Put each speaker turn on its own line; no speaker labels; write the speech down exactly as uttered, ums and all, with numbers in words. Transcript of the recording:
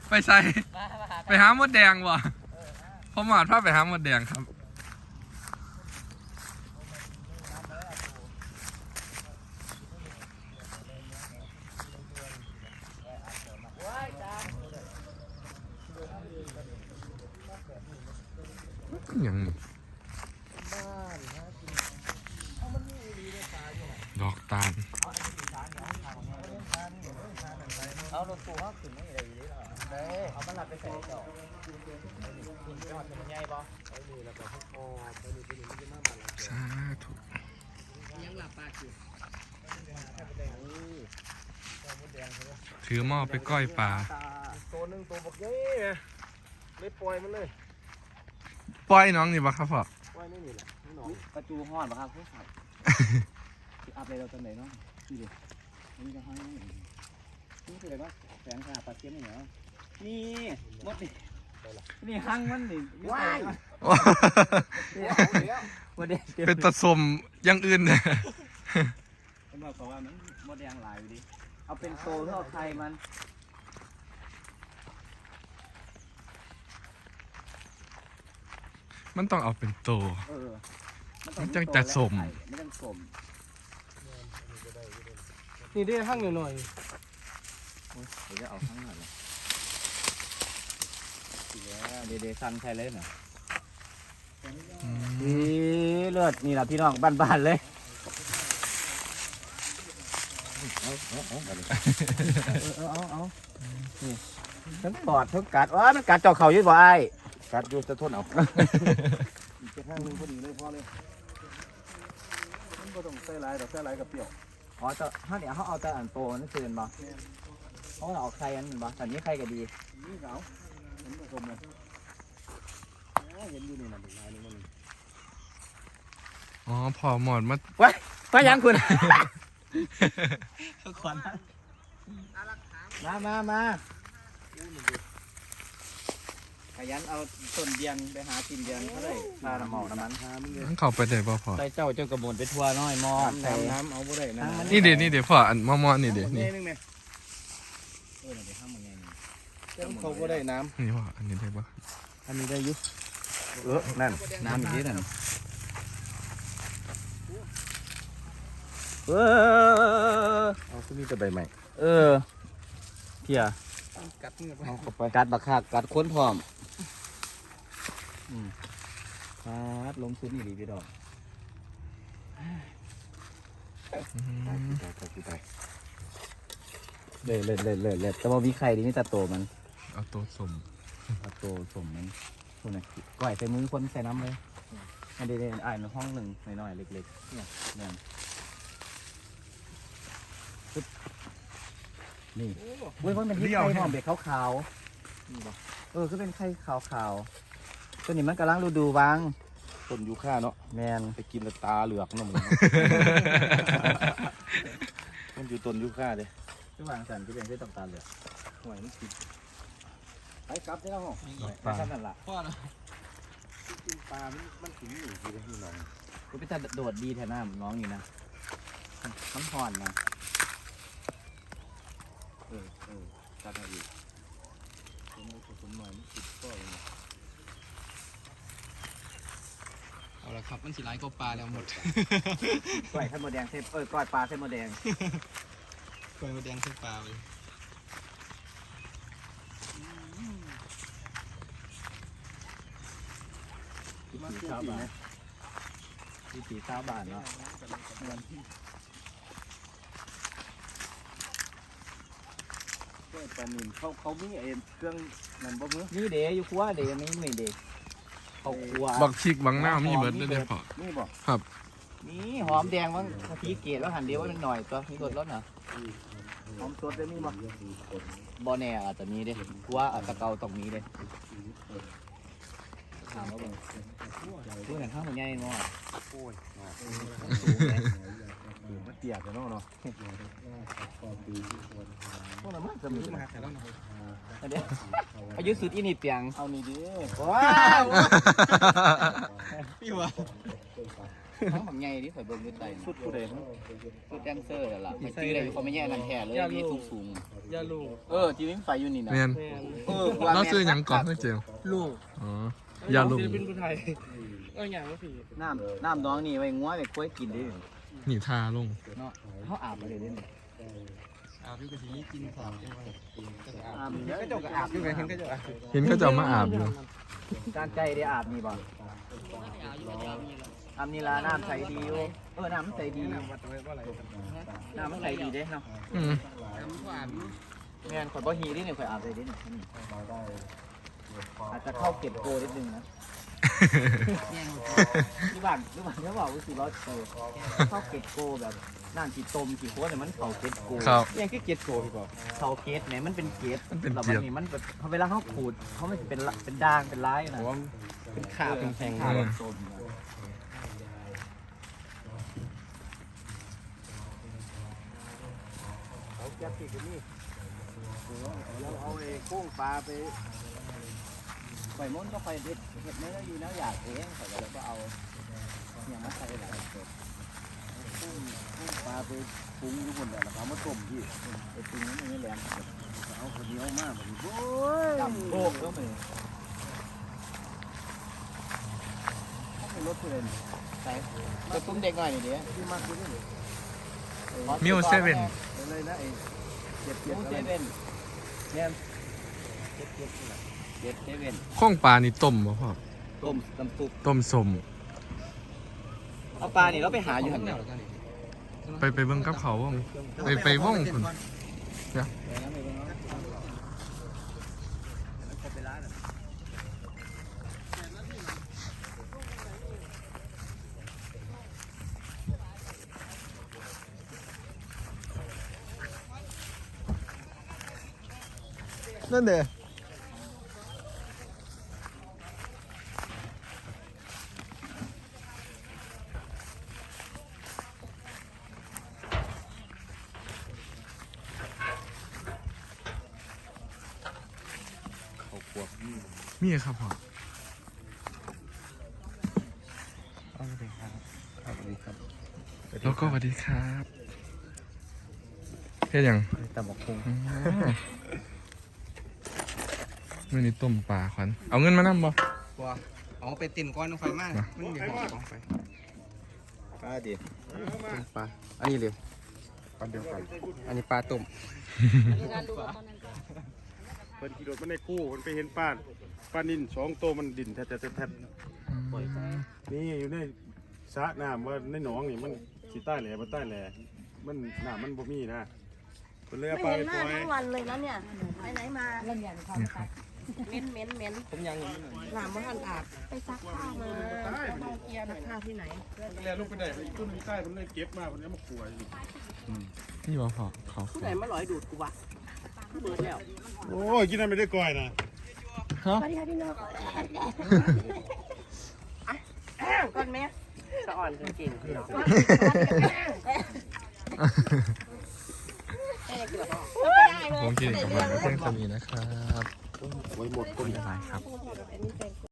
ไปใส่ไปหามดแดงวะพอหมาดพาไปหามดแดงครับอย่างนี้ดอกตาล
เอารถตู้เขาขึ้นไม่ได้อยู่ดีหรอเด้เอามันหลับไปใส่เจ้ากินยอดเป็นใหญ่ป่ะไปดูแล้วก็พอไปดูไปดูมันจะมาบ้านเรา
สาธุ
ยังหลับตาอยู่
ถือหม้อไปก้อยปลา
ตัวหนึ่งตัวบักเย้เลยปล่อยมันเลย
ปล่อยน้องนี่ปะครับพ่อ
ปล่อยไม่นี่แหละน้องกระจูห่อนปะครับผู้ชายที่อัพเลยเราตอนไหนเนาะนี่ดินี่จะห้อยนี่คืออะไรวะแสงขาปลาเทียมนี่เหรอนี่มดนี่นี่หั่งมันนี่ว้าย
เป็นตะสมยังอื่นเนี่ย
เป็นบอกว่ามันมดแดงหลายอยู่ดิเอาเป็นโซเพื่อเอาไทยมัน
มันต้องเอาเป็นโตมันจังจัดสม
ไม่ต้องสม
นี่ได้หั่งหน่อย
เดี๋ยวจะเอาหั่งหน่อยเดี๋ยวเดี๋ยวสั่นใช่เลยน่ะนี่เลือดนี่แหละพี่น้องบ้านๆเลยเอาเอาเอาเอาเอานี่ทั้งปอดทั้งกัดว้ามันกัดเจาะเข่าอยู่บ่ไอ้กัดอยู่จะทนเอาอีกข้างนึงพอดีเลยพอเลยมันก็ต้องใส่ลายดอกใส่ลายกับเปรี้ยวอ๋อจะถ้าเดี๋ยวเขาเอาแต่อันโตนั่นคือมันบ่เขาเอาไข่อันนั้นบ่แต่นี้ไข่ก็ดีนี่เขาเห็นผสมเลยเห็นอยู่นี่นะเป็นลายนึงมัน
อ๋อพอหมดมา
ว้ายมายังคุณขวัญมามามาขยันเอาต้นเดียงไปหากินเดียงเขาเลยพาน้ำหมอกน้ำมันพามึงเลย
เข้าไปได้ป่ะพ่อ
ใส่เจ้าเจ้ากระบวนไปทัวร์น้อยมอด
น้ำน้ำเอาบ่ได้นะ
นี่เดี๋ยวนี่เดี๋ยวพ่ออันมอมอนี่เดี๋ยวนี่
เออเดี๋ยวข้ามมันไง
นี่เขาบ่ได้น้
ำนี่พ่ออันนี้ได้ป่ะ
อันนี้ได้ยุ
เออนั่นน้ำอีกนิดนั่นเออ
เอาขึ้นนี่จะใบใหม่
เออเพีย
กัดเงือกเอาเข้าไป
กัดบักคักกัดค้นพร้อมอืมกัดลงทุนนี่ดีพี่ดอกเลยเลยเลยเลยเลยแต่ว่าวิไข่ดีนี่ตาโตมัน
เอาตัวสม
ตาโตสมมันคนไหนก่อยใส่มือคนใส่น้ำเลยอันเดียวอ่านห้องหนึ่งหน่อยๆเล็กๆเนี่ยเนี่ยนี่เว้ยมันเป็นที่ไข่หอมเบ็ดขาวๆเออก็เป็นไข่ขาวๆตัวนี้มันกำลังฤดูวาง
ต้นยูคาเนาะ
แมน
ไปกินตาเหลือกน้ำมันมันอยู่ต้นยูคาเลย
ที่วางสันที่เป็นที่ต่างๆเลยหวยมันกินไปกลับได้แล้ว
ปลา
นั่นแหละ
พ่อนะกินปลามันมันถึงอยู่ที่ที่น้อง
กูไปจะโดดดีแถวหน้าน้องอยู่นะน้ำห่อนนะ
เออเออตัดอะไรอีกผมเอาผมหน่อยมันติดก้อย
เอาละครับมันสีลายก็ปลาแล้วหมด
ก้อยเส้นโมแดงเส้นเออก้อยปลาเส้นโมแดง
ก้อยโมแดงเส้นปลาเลย
วิถีชาวบ้านวิถีชาวบ้านเนาะ
ปลาหนิเขาเขามีเอ็นเครื่องนั่นบ่มือ
นี่เดี๋ยวอยู่ครัวเดี๋ยวไม่ไม่เดี๋ยวเขาครัว
บักชิกบังหน้ามีเบิร์ดได้เลยพ่อ
นี่บอก
ครับ
นี่หอมแดงมั้งพีเกตแล้วหั่นเดียวว่าเป็นหน่อยตัวมีรสรสเหรอหอมสดได้มีมั้งบ่แน่อาจจะมีเด้ครัวอาจจะเกาตรงนี้เด้ถามว่าเบิ่งพูดหนังข้าวมันใหญ่มั้ง
โอ้ย
สูงเลย
มันเตี้ยกันเนาะเนาะ
พวกนั้นมันจะมีมาแต่แล้วเนาะเดี๋ยวอายุสุดอินิเปียง
เอานี่ดิ
ว้าว
พี่วะทั้งบางใหญ่ที่ข่อยเบิ่งอยู่ใต้
สุดผู้ใด
ชุดแดนเซอร์นั่นล่ะมันชื่ออะไรเขาไม่แย่นั่นแท้เลยมีสูงสูง
ยาลูก
เออที่มีไฟอยู่นี่นะ
แม่น
แมน
เออ
เราซื้อหยังก่อนเพื่อเจล
ลูก
อ๋อ ยาลุง
ศิลปินผู้ไทยเอออย่างว่าผี
น้ำน้ำน้องนี่ไว้งัวไว้กล้วยกินดิ
หนีทาลง
เนาะเขาอาบมาเลยเด้
อาบอยู่กะทิกินสามจังหวะ
อาบก็เจ้าก็อาบอยู่ไงเห็นก็เจ้าอาบ
เห็นเขาจะเอามาอาบอยู่
การใจได้อาบนี่บ่อาบนี่ละน้ำใสดีอยู่เออน้ำมันใสดีน้ำมันใสดีเด้เนาะ
อืม
แม่นข่อยบ่ฮีดิเนี่ยข่อยอาบเลยดิเนี่ยอาจจะเข้าเก็บโกนิดนึงนะที่บ้านที่บ้านเขาบอกว่าสิร้อยโกเข้าเก็บโกแบบน้ำจีต้มจีโคตรเนี่ยมันเข้าเก็บโก
ครับ
ยังคือเก็ดโกพี่บอก
เข้าเก็บเนี่ยมันเป็นเก็บ
มันเป็น
แล้ว
เก็บ
นี่มันแบบเวลาเขาขูดเขาไม่เป็นละเป็นด่างเป็นร้ายนะ
ผมว่าเป็นขาเป็นแข็ง
ขาแบบต้ม
เอาแก๊สปีกนี่เราเอาไอ้โค้งปลาไป
ข่อยม้วนก็ข่อยเด็ดเห็ดเนื้ออยู่แล้วอยากเองข่อยก็เลยก็เอาเนี่ยมาใส่หลาย
ปลาไปปรุงอยู่บนแหละแล้วก็เอามาต้มพี่
ไอ้ปรุงนั้นไม่แรง
เอาคนเดียวมากแบบนี้โอ้ย
จำโบกก็ไม่ไม่รถเพื่อนใส่กระตุ้มเด็กหน่อยนี่เดี๋ยว
ที่มากคือนี่
มิวเซเว่น
เป็นเลยนะไอ้เจ็ดเจ็ด
มิว
อะไร
เซเว่น
เนี่ย
เจ็ดเซเว่น
ข้องปลานี่ต้มบ่พ่อ
ต้มน้ำซุป
ต้มสม
เอาปลานี่เราไปหาอยู่หันเนี่ย
ไปไปเบิ่งกับเขาวงไปไปว่องคุณเดี๋ยวนั่นเด้
เขาขวบนี่
มีครับพ่อ
เอาเลยครับเอาเลยครับ
แล้วก็สวัสดีครับเฮ็ดหยัง
ตำบักคง
อ๋อมื้อนี้ต้มปลาขวัญเอาเงินมานำบ่
บัวเอาไปติ่นก้อนไฟมากมันมีหอมของไฟ
ปลาดิ
ปลาอันนี้เลยปลาเดียวกันอันนี้ปลาตุ่ม
เพิ่นขี่รถมาในคู่เพิ่นไปเห็นป้านป้านินสองตัวมันดินแทะแทะแทะแทะนี่อยู่ในสระน้ำว่าในหนองนี่มันสิใต้แหล่บ่ใต้แหล่มันน้ำมันบ่มีนะเพิ่นเลยเอา
ไม่
ปลา
เห็
ไป
นห
ป
น้า
ล่อย
ทั้งวันเลยนะเนี่ย ไปไหนมา
นี่ครับ
เหม็นเหม็นเหม็น
ผมยัง
หลามว่าท่านอาบไปซักผ้ามาซักผ้าที่ไหน
แล่ลงไปได้ไปอีกต้นนึงใต้เพิ่นเลยเก็บมาเพิ่นเอามาขัวอยู่
นี่บ่พ่อเขา
ผู้ใดมาหลอยดูดกูวะเบิดแล้ว
โอ้ยกินน้ำไม่ได้ก่อยนะ
ฮะ
สวัสดีค่ะพี่นกก่อนแม่สะอ่อนเก่งพี่นก
ผมที่นี่กำลังเพื่อนคนนี้นะครับ
ไว้หมดต้น
บ๊ายบายครับ